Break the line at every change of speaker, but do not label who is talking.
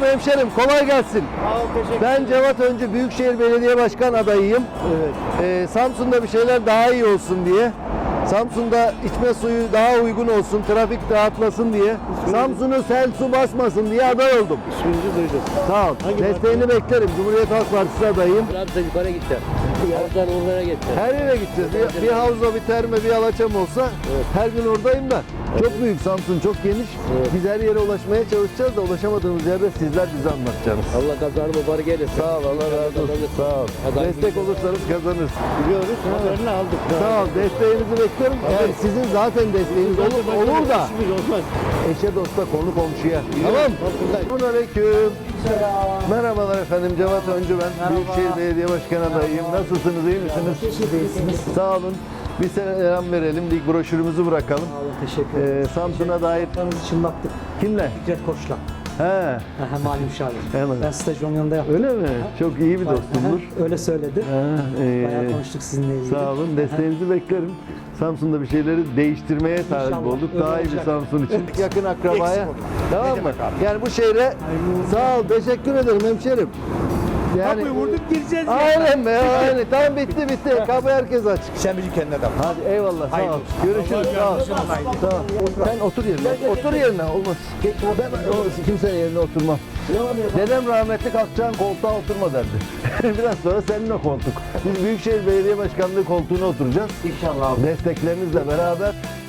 hemşerim, kolay gelsin.
Sağ ol, teşekkür
Ben Cevat Öncü, Büyükşehir Belediye Başkan adayıyım.
Evet.
Samsun'da bir şeyler daha iyi olsun diye. Samsun'da içme suyu daha uygun olsun, trafik dağıtmasın diye. Samsun'u sel su basmasın diye aday oldum.
İsminizi duydum.
Sağ ol. Desteğini beklerim. Cumhuriyet Halk Partisi adayım.
Trabzon yukarı gideceğim. Havuzdan onlara gideceğim.
Her yere gideceğiz. Bir havza, bir terme, bir alaçam olsa her gün oradayım da. Çok büyük Samsun, çok geniş. Biz her yere ulaşmaya çalışacağız da ulaşamadığımız yerde sizler bize anlatacaksınız.
Allah kazanı mübarek eylesin.
Sağ ol, Allah razı olsun. Sağ ol. Destek olursanız kazanırız.
Biliyoruz, haberini aldık.
Sağ ol, desteğinizi bekliyorum. Yani sizin zaten desteğiniz olur da
İşimiz olmaz.
eşe dosta konu komşuya. Tamam. Selamünaleyküm. Merhabalar efendim, Cevat Öncü ben. Büyükşehir Belediye Başkan adayıyım. Nasılsınız, iyi misiniz? Sağ olun. Bir selam verelim, ilk broşürümüzü bırakalım.
Teşekkür ederim.
Samsun'a dair
Yaplarımızı çınlattık.
kimle?
Fikret Koç'la.
He,
Mali müşavir.
Evet.
Ben stajı onun yanında yaptım.
öyle mi? Çok iyi bir dostumdur.
Öyle söyledi.
He,
Bayağı konuştuk sizinle ilgili.
Sağ olun, desteğinizi beklerim. Samsun'da bir şeyleri değiştirmeye talip
İnşallah,
olduk.
öyle
Daha iyi bir
olacak.
Samsun için. Yakın akrabaya. Tamam mı? Yani bu şehre sağ ol, teşekkür ederim hemşerim. Yani
Kapıyı vurduk gireceğiz.
aynen be, aynen. Tamam bitti. Kapı herkes açık.
Sen bizi kendine de
Hadi eyvallah, sağ ol. Görüşürüz, sağ ol. Sağ ol. Sen otur yerine. Otur yerine, olmaz. Ben kimsenin yerine oturmam. Dedem rahmetli kalkacağın koltuğa oturma derdi. Biraz sonra senin o koltuk. Biz Büyükşehir Belediye Başkanlığı koltuğuna oturacağız.
İnşallah.
Desteklerinizle beraber